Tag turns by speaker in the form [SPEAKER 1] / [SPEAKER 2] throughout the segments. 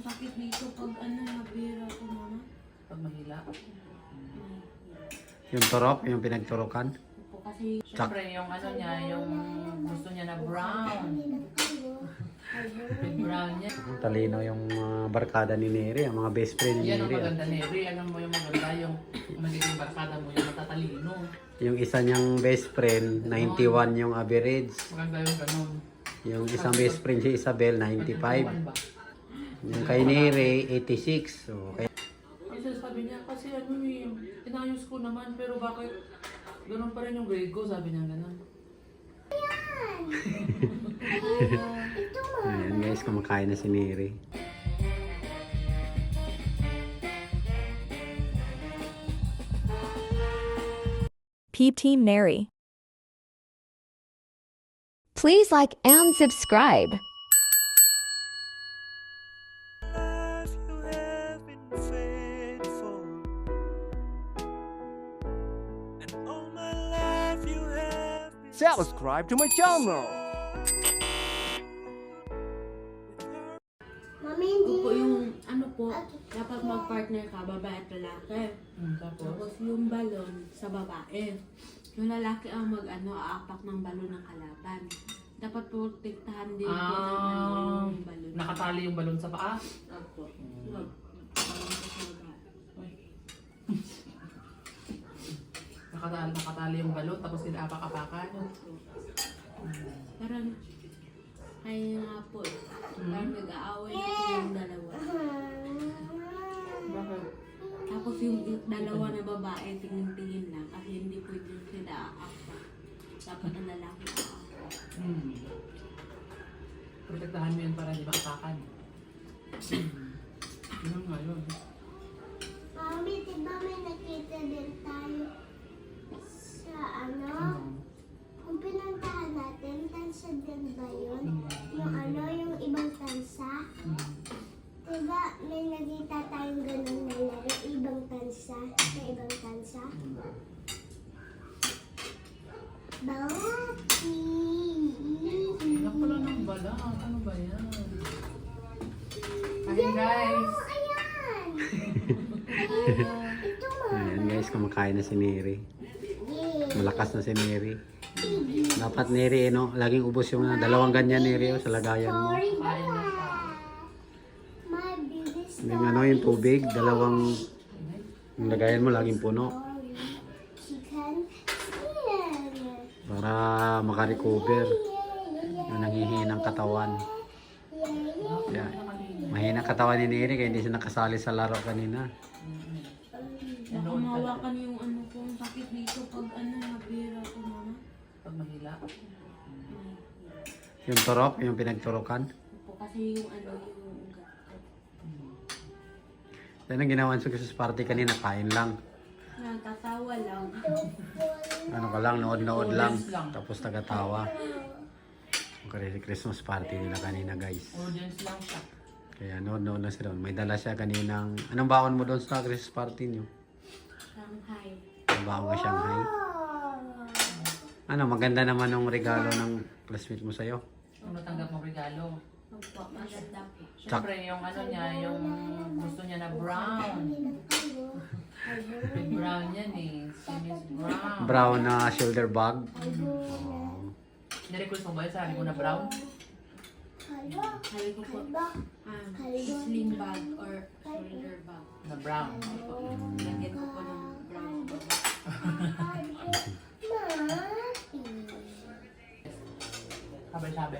[SPEAKER 1] sakit dito pag nabira ko mama.
[SPEAKER 2] Pag mahila.
[SPEAKER 3] Yung turok, yung pinagturokan.
[SPEAKER 1] Opo, kasi
[SPEAKER 2] Siyempre, yung niya, yung gusto niya na brown. Brown niya.
[SPEAKER 3] Talino yung barkada ni Neri, ang mga best friend ni
[SPEAKER 2] Yan ang
[SPEAKER 3] Neri.
[SPEAKER 2] maganda, Neri. Alam mo yung maganda, yung magiging barkada mo, yung matatalino.
[SPEAKER 3] Yung isa niyang best friend, 91 yung average.
[SPEAKER 2] Maganda yung ganun.
[SPEAKER 3] Yung isang best friend si Isabel, 95.
[SPEAKER 2] Ba?
[SPEAKER 3] Yung kay Neri, 86. So,
[SPEAKER 2] Kasi sabi niya, kasi inayos ko naman, pero bakit ganun pa rin yung grade ko, sabi niya ganun.
[SPEAKER 3] ayan guys, kumakain na si Neri.
[SPEAKER 4] Peep Team Neri. Please like and subscribe.
[SPEAKER 5] Subscribe to my channel.
[SPEAKER 6] Mami, hindi
[SPEAKER 1] Opo, yung ano po, dapat mag-partner ka, babae at lalaki.
[SPEAKER 2] Tapos,
[SPEAKER 1] Tapos yung balon sa babae. Yung lalaki ang aapak ng balon ng kalaban. Dapat protektahan din po ng yung balon.
[SPEAKER 2] nakatali yung balon sa paa.
[SPEAKER 1] Opo. Wag. Balon sa babae.
[SPEAKER 2] Nakatali yung balon, tapos inaapak-apakan.
[SPEAKER 1] Opo. Parang, kaya nga po, parang nag-aaway na po yung dalawa.
[SPEAKER 2] Bakit?
[SPEAKER 1] Tapos yung dalawa na babae, tingin-tingin lang kasi hindi pwede sila aapak. Dapat ang lalaki aapak.
[SPEAKER 2] Protektahan mo yun para di makapakan. Yun nga yun.
[SPEAKER 6] Mami, diba may nakita din tayo sa kung pinuntahan natin, tansa din ba yun? Yung ibang tansa? Diba may nakita tayong ganun na laro, ibang tansa, sa ibang tansa? Bawati!
[SPEAKER 2] Anak pala ng balat. Ano ba yan? Ayun guys.
[SPEAKER 6] Ayan! Ito mo!
[SPEAKER 3] Ayan guys, kumakain na si Neri. Malakas na si Neri. Dapat Neri, no? Laging ubos yung dalawang ganyan Neri sa lagayan mo.
[SPEAKER 6] Sorry ba?
[SPEAKER 2] Kain na siya.
[SPEAKER 6] My biggest
[SPEAKER 3] Yung yung tubig, dalawang yung lagayan mo laging puno.
[SPEAKER 6] chicken skin.
[SPEAKER 3] Para makarecover. Yung nangihinang katawan. Kaya, mahina katawan ni Neri kaya hindi siya nakasali sa laro kanina.
[SPEAKER 1] Baka mawakan yung ko, yung sakit dito pag nabira ko mama.
[SPEAKER 2] Pag mahila.
[SPEAKER 3] Yung turok, yung pinagturokan.
[SPEAKER 1] Opo, kasi yung yung ugat ko.
[SPEAKER 3] Yan ang ginawa sa Christmas party kanina, kain lang.
[SPEAKER 1] Nagtatawa lang.
[SPEAKER 3] Ano ka lang, nood-nood lang.
[SPEAKER 2] Audience lang.
[SPEAKER 3] Tapos tagatawa. Yung Christmas party nila kanina guys.
[SPEAKER 2] Audience lang siya.
[SPEAKER 3] Kaya nood-nood na siya doon. May dala siya kaninang... Anong baon mo doon sa Christmas party niyo?
[SPEAKER 1] Shanghai.
[SPEAKER 3] Ang baon ka Shanghai? Ano, maganda naman yung regalo ng classmate mo sa'yo.
[SPEAKER 2] Kung natanggap mong regalo.
[SPEAKER 1] Opo, maganda po.
[SPEAKER 2] Siyempre, yung niya, yung gusto niya na brown. Brown yan eh. Si Miss Brown.
[SPEAKER 3] Brown na shoulder bag.
[SPEAKER 2] Nirequest mo ba yun? Sabi ko na brown?
[SPEAKER 1] Sabi ko po, sling bag or shoulder bag.
[SPEAKER 2] Na brown.
[SPEAKER 1] Lagyan ko po ng brown bag.
[SPEAKER 2] Sabi.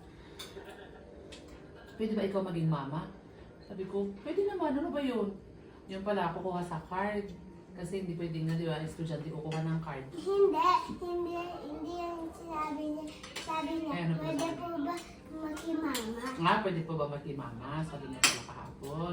[SPEAKER 2] Pwede ba ikaw maging mama? Sabi ko, pwede naman. Ano ba yun? Yung pala, kukuha sa card. Kasi hindi pwedeng na, di ba? Estudyante kukuha ng card.
[SPEAKER 6] Hindi yung sinabi niya. Sabi niya,
[SPEAKER 2] Ano ba?
[SPEAKER 6] pwede po ba makimama?
[SPEAKER 2] Nga, pwede po ba mama? Sabi niya pala kahapon.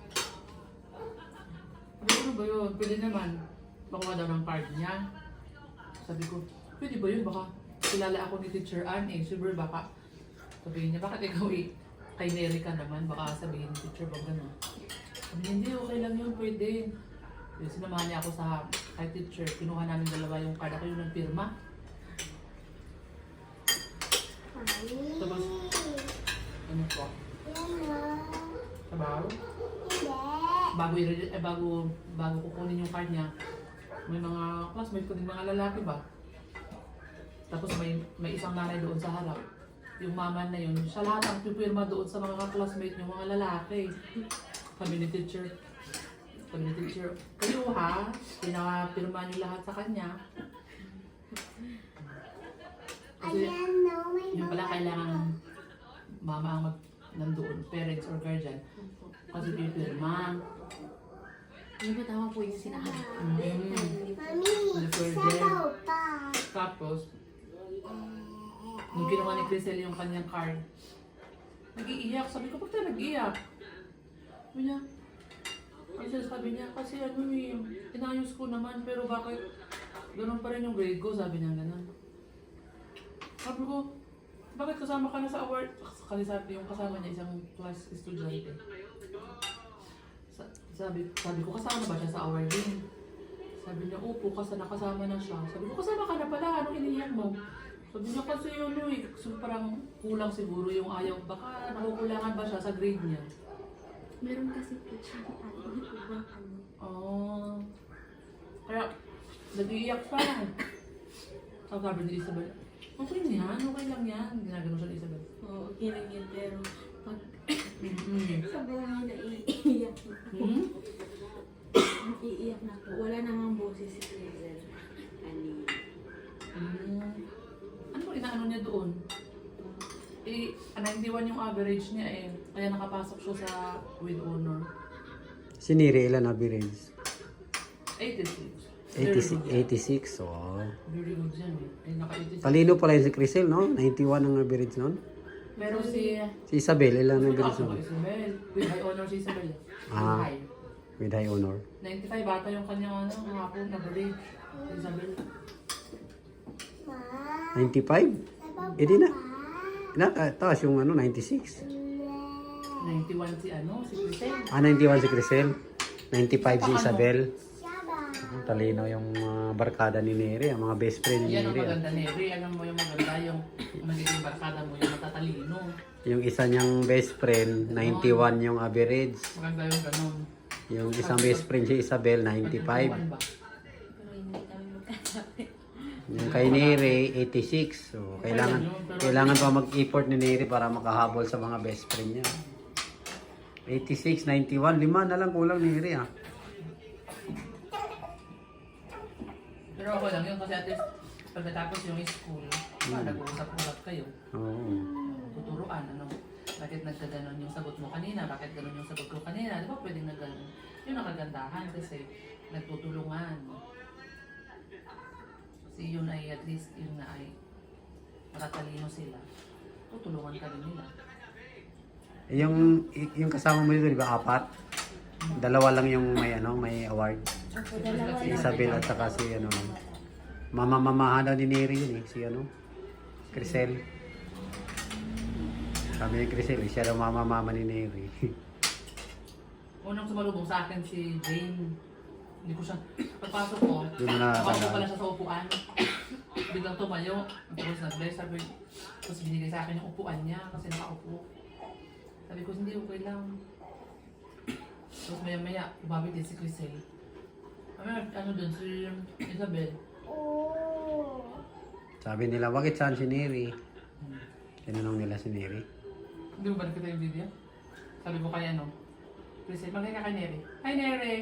[SPEAKER 2] Sabi ko, ano ba yun? Pwede naman. Makuha daw ng card niya. Sabi ko, pwede ba yun? Baka kilala ako ni Teacher Ann eh. Siyempre baka sabihin niya, bakit ikaw kay Neri ka naman? Baka sabihin ni Teacher, baka gano'n. Sabi niya, hindi, okay lang yun, pwede. Yung sinamahan niya ako sa kay Teacher. Kinuha namin dalawa yung card. Ako yung nagpirma. Tapos, ano po?
[SPEAKER 6] Yan na.
[SPEAKER 2] Sabay trabaho?
[SPEAKER 6] Hindi.
[SPEAKER 2] Bago kukunin yung card niya, may mga classmates ko din mga lalaki ba? Tapos may isang nanay doon sa harap. Yung mama na yun, siya lahat ang pipirma doon sa mga classmates yung mga lalaki. Kami ni teacher. Kayo ha, pinapirma niyo lahat sa kanya. Kasi
[SPEAKER 6] Ayan, no, may
[SPEAKER 2] yung pala kailangan mama ang nandoon, parents or guardian. Kasi pipirma.
[SPEAKER 1] Ano ba tama po yung sinabi?
[SPEAKER 6] Mami,
[SPEAKER 2] Refer
[SPEAKER 6] sabaw pa.
[SPEAKER 2] Tapos, nung ginawa ni Crisel yung kanyang card, nag-iiyak. Sabi ko, ba't tayo nag-iiyak? Sabi niya, sabi niya, kasi ano inayos ko naman, pero bakit ganun pa rin yung grade ko? Sabi niya ganun. Sabi ko, bakit kasama ka na sa award? Kasi sabi yung kasama niya, isang class estudyante. Sabi ko, kasama ba siya sa awarding? Sabi niya, opo, kasi nakasama na siya. Sabi ko, kasama ka na pala, anong iniyak mo? Sabi niya, kasi yun, so parang kulang siguro yung ayaw. Baka nakukulangan ba siya sa grade niya?
[SPEAKER 1] Meron kasi po siya hindi po ba ano?
[SPEAKER 2] Oh. Kaya, nag-iiyak pa lang. Sabi ni Isabel, okay yan, okay lang yan. Ginagano siya ni Isabel.
[SPEAKER 1] Oo, okay lang yun, pero pag
[SPEAKER 2] Mm-hmm.
[SPEAKER 1] sobrang naiiyak na po. Naiiyak na po. Wala namang boses si Hazel.
[SPEAKER 2] Ano inaano niya doon? 91 yung average niya eh. Kaya nakapasok siya sa with honor.
[SPEAKER 3] Si Neri, ilan average?
[SPEAKER 2] 86.
[SPEAKER 3] 86, oh.
[SPEAKER 2] Very good yan eh. Ay, naka-86.
[SPEAKER 3] Talino pala yun si Crisel, no? 91 ang average nun.
[SPEAKER 2] Pero si...
[SPEAKER 3] Si Isabel, ilan ang average
[SPEAKER 2] Ako
[SPEAKER 3] nun?
[SPEAKER 2] Isabel. With high honor si Isabel.
[SPEAKER 3] Ah.
[SPEAKER 2] High.
[SPEAKER 3] With high honor.
[SPEAKER 2] 95 bata yung kanyang ano, ang hapon na average. Si Isabel.
[SPEAKER 6] Ma,
[SPEAKER 3] 95?
[SPEAKER 6] sabaw
[SPEAKER 3] Eh di na.
[SPEAKER 6] pa.
[SPEAKER 3] Taas yung ano, 96.
[SPEAKER 2] 91 si ano, si Crisel.
[SPEAKER 3] 91 si Crisel. 95 si Isabel.
[SPEAKER 6] Sabaw.
[SPEAKER 3] Talino yung barkada ni Neri, ang mga best friend ni
[SPEAKER 2] Yan ang
[SPEAKER 3] Neri.
[SPEAKER 2] maganda Neri. Alam mo yung maganda yung magiging barkada mo, yung matatalino.
[SPEAKER 3] Yung isa niyang best friend, 91 yung average.
[SPEAKER 2] Maganda yung ganun.
[SPEAKER 3] Yung isang best friend si Isabel, 95.
[SPEAKER 2] Ba?
[SPEAKER 1] Pero hindi kami magkasabi.
[SPEAKER 3] Yung kay Neri, 86. So, kailangan pa mag-effort ni Neri para makahabol sa mga best friend niya. 86, 91, 5 na lang kulang ni Neri ah.
[SPEAKER 2] Pero ako lang yun kasi at least pagkatapos yung school, nag-uusap-usap kayo.
[SPEAKER 3] Oo.
[SPEAKER 2] Tuturuan, ano, bakit nagkaganon yung sagot mo kanina, bakit ganon yung sagot ko kanina, di ba pwedeng nagganon? Yun ang kagandahan kasi nagtutulungan. Kasi yun ay at least yun na ay matatalino sila. Tutulungan ka rin nila.
[SPEAKER 3] Yung kasama mo dito, di ba, 4? Dalawa lang yung may award. Si Isabel at saka si mama-mamahan daw ni Neri yun eh, si Crisel. Sabi ni Crisel, siya daw mama-mama ni Neri.
[SPEAKER 2] Unang sumalubong sa akin si Jane. Hindi ko siya, pagpasok ko,
[SPEAKER 3] Di mo na
[SPEAKER 2] nakaupo
[SPEAKER 3] tandaan.
[SPEAKER 2] pala siya sa upuan. Biglang tumayo, tapos nag-bless, sabi, tapos binigay sa akin yung upuan niya kasi nakaupo. Sabi ko, hindi okay lang. Tapos maya-maya, umabit din si Crisel. Ano dun, si Isabel.
[SPEAKER 6] Oh.
[SPEAKER 3] Sabi nila, bakit saan si Neri? Tinanong nila si Neri.
[SPEAKER 2] Hindi mo ba nakita yung video? Sabi ko kay Crisel, magay ka kay Neri. Hi Neri!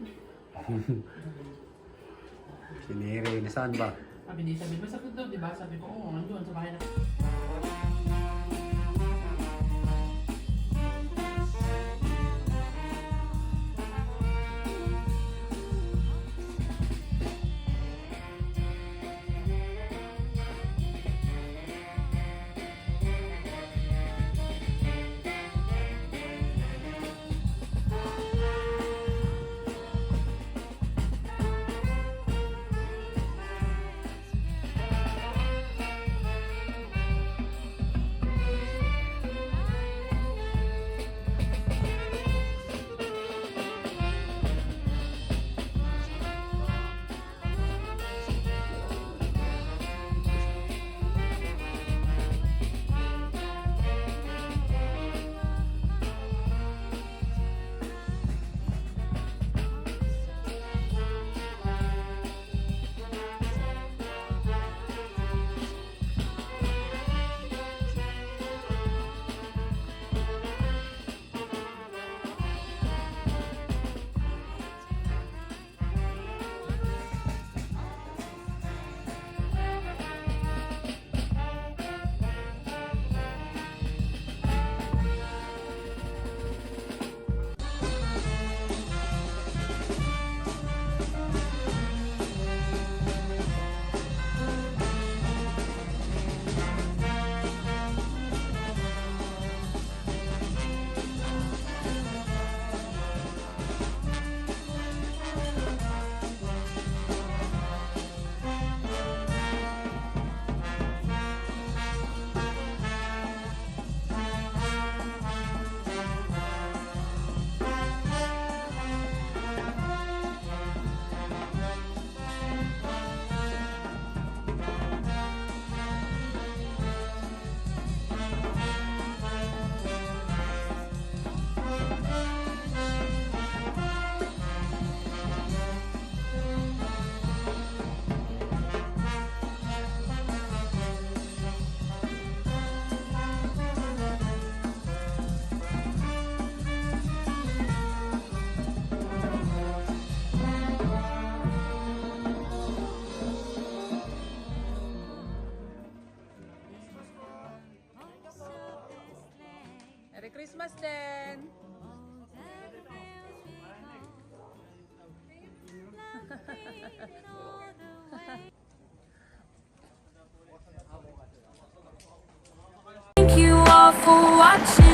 [SPEAKER 3] Si Neri, nasaan ba?
[SPEAKER 2] Sabi ni Isabel, masakit daw, di ba? Sabi ko, oo, nandun sa bahay na. Christmas din!
[SPEAKER 5] Thank you all for watching.